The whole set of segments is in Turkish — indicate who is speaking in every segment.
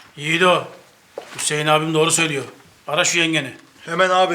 Speaker 1: Yiğido, Hüseyin abim doğru söylüyor. Ara şu yengeni.
Speaker 2: Hemen abi.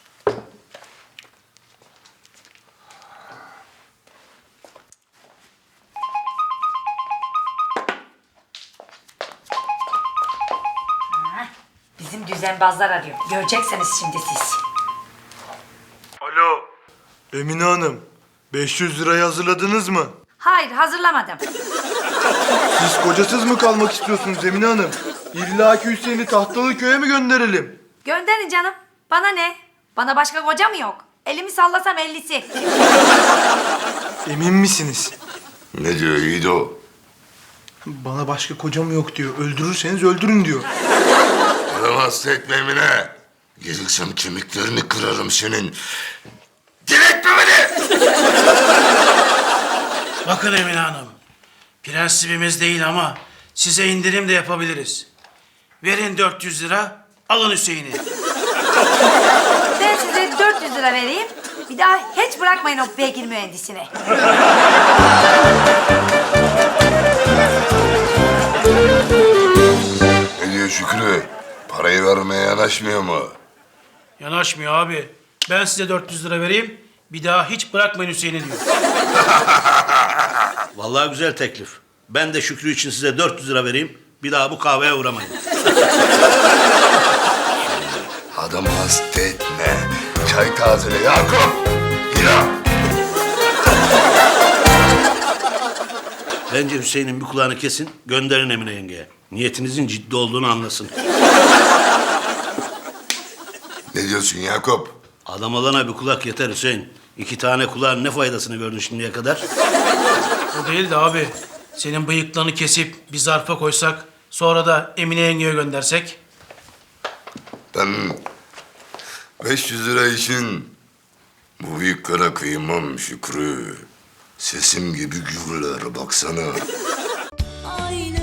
Speaker 3: Bizim düzenbazlar arıyor. Göreceksiniz şimdi siz.
Speaker 2: Alo. Emine Hanım, 500 lirayı hazırladınız mı?
Speaker 3: Hayır, hazırlamadım.
Speaker 2: Siz kocasız mı kalmak istiyorsunuz Emine Hanım? İlla ki Hüseyin'i tahtalı köye mi gönderelim?
Speaker 3: Gönderin canım. Bana ne? Bana başka koca mı yok? Elimi sallasam 50'si.
Speaker 2: Emin misiniz?
Speaker 4: Ne diyor Yiğido?
Speaker 2: Bana başka kocam yok diyor. Öldürürseniz öldürün diyor.
Speaker 4: Bana hasta etme Emine. Gelirsem kemiklerini kırarım senin. Diretme beni!
Speaker 1: Bakın Emine Hanım, prensibimiz değil ama size indirim de yapabiliriz. Verin 400 lira, alın Hüseyin'i.
Speaker 3: Ben size 400 lira vereyim. Bir daha hiç bırakmayın o beygir mühendisini.
Speaker 4: Ne diyor Şükrü? Parayı vermeye yanaşmıyor mu?
Speaker 1: Yanaşmıyor abi. Ben size 400 lira vereyim, bir daha hiç bırakmayın Hüseyin'i diyor.
Speaker 5: Vallahi güzel teklif. Ben de Şükrü için size 400 lira vereyim. Bir daha bu kahveye uğramayın.
Speaker 4: Adamı hasta etme. Çay tazele Yakup. Yürü.
Speaker 5: Bence Hüseyin'in bir kulağını kesin, gönderin Emine yengeye. Niyetinizin ciddi olduğunu anlasın.
Speaker 4: Ne diyorsun Yakup?
Speaker 5: Adam olana bir kulak yeter Hüseyin. 2 tane kulağın ne faydasını gördün şimdiye kadar?
Speaker 1: O değil de abi, senin bıyıklarını kesip bir zarfa koysak, sonra da Emine yengeye göndersek.
Speaker 4: Ben 500 lira için bu büyüklere kıymam Şükrü. Sesim gibi gürler baksana.
Speaker 6: Aynı